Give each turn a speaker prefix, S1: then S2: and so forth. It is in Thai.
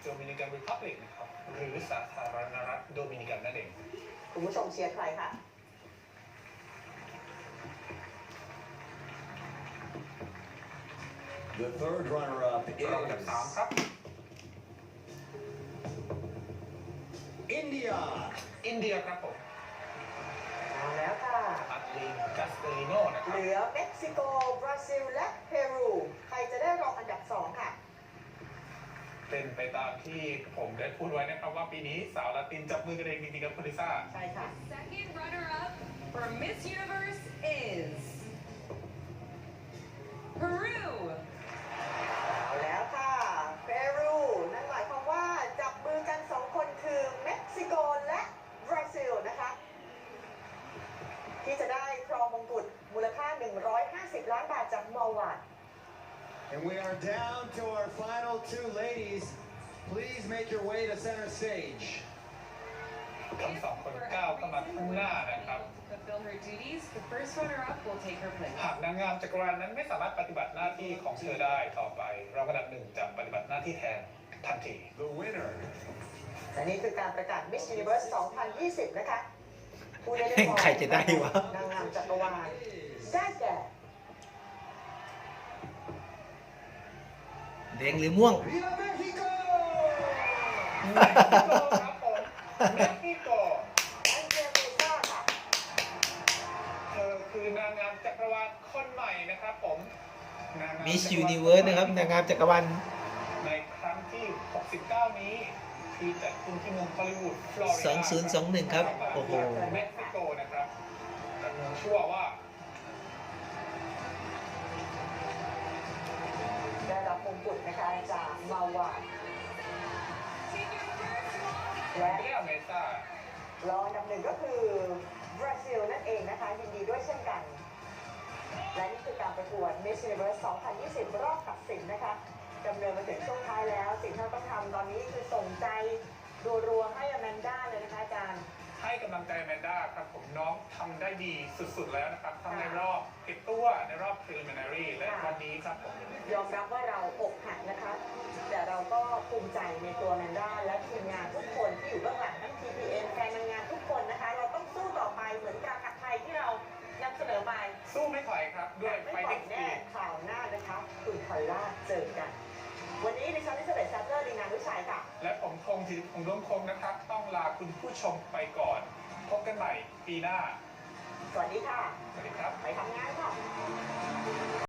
S1: โดมินิกันรีพับลิกนะครับหรือสาธารณรัฐโดมินิกันนั่นเอง
S2: คุณผู้ชมเชียร์ใครคะ
S3: The third runner-up
S1: รองอันดับ
S3: is
S1: 3 ครับ
S3: India.
S1: อินเดียครับผม
S2: เอาแล้วค่ะ
S1: อัตลีนกัสเตลิโนนะค
S2: เห
S1: รับ
S2: ลือเม็กซิโก บราซิล และเปรู ใครจะได้รองอันดับ 2 ค่ะ
S1: เป็นไปตามที่ผมได้พูดไว้นะครับว่าปีนี้สาวละตินจับมือกันเองจริงๆกับคุณลิซ่า
S2: ใช่ค่ะ
S4: Second runner-up for Miss Universe is Peru.
S2: เอาแล้วค่ะ เปรู นั่นหมายความว่าจับมือกัน 2 คนคือเม็กซิโกและบราซิลนะคะ ที่จะได้ครองมงกุฎมูลค่า 150 ล้านบาทจากมอลวาด
S3: And we are down to our final two ladies. Please make your way to center stage.
S1: ทั้งสองคนก้าวเข้ามาข้างหน้านะครับ
S4: Fulfill her duties. The first runner-up will take her place.
S1: หากนางงามจักรวาลนั้นไม่สามารถปฏิบัติหน้าที่ของเธอได้ต่อไปรองอันดับ 1จะปฏิบัติหน้าที่แทนทันที
S3: The winner
S2: และนี่คือการประกาศ Miss Universe 2020 นะคะผู้ได้
S5: ใครจะได้วะ
S2: นางงามจักรวาลได้แก่
S5: แดงหรือม่วง
S3: Viva Mexico!
S1: เม็กซิโกครับผมเม็กซิโก
S2: แอนเจลิซ่าค่ะ
S1: เธอคือนางงามจักรวาลคนใหม่นะครับผมนางงาม
S5: Miss
S1: จักรวาล
S5: Universe นะครับนางงามจักรวาล
S1: ในครั้งที่ 69 นี้ที่จัดขึ้นที่เมืองฮอลลีวูดฟลอริดา
S5: 2021 ครับ โอ้โห
S1: เม็กซิโกนะครับแต่เมืองชั่วว่า
S2: ได้รับมงกุฎนะคะจากมาวาด และ
S1: เรียเมซ่าร
S2: องอันดับ 1 ก็คือบราซิลนั่นเองนะคะยินดีด้วยเช่นกัน และนี่คือการประกวด Miss Universe 2020 รอบตัดสินนะคะดำเนินมาถึงช่วงท้ายแล้ว สิ่งที่เราต้องทำตอนนี้คือส่งใจรัวๆให้อแมนด้าเลยนะคะอาจารย์
S1: ให้กำลังใจแมนด้าครับผมน้องทำได้ดีสุดๆแล้วนะครับทั้งในรอบเก็บตัวในรอบ preliminary และวันนี้ครับผม
S2: ยอมรับว่าเราอกหักนะคะ แต่เราก็ภูมิใจในตัวแมนด้าและทีมงานทุกคนที่อยู่เบื้องหลังทั้ง TPN แฟนนางงามทุกคนนะคะ เราต้องสู้ต่อไปเหมือนการขัดไทยที่เรานำเสนอไป
S1: สู้ไม่ถอยครับด้วย
S2: ไม่ปล่อย
S1: fighting
S2: แน่
S1: spirit
S2: ข่าวหน้านะคะคุณพอลล่าเจอกัน วันนี้ดิฉันนิสเบตซัตเตอร์ดีนานุชัยค่ะ
S1: และผมธงธีรพงษ์ร่วมคงนะครับ ต้องลาคุณผู้ชมไปก่อน พบกันใหม่ปีหน้า
S2: สวัสดีค่ะ
S1: สวัสดีครับ
S2: ไปทำงานค่ะ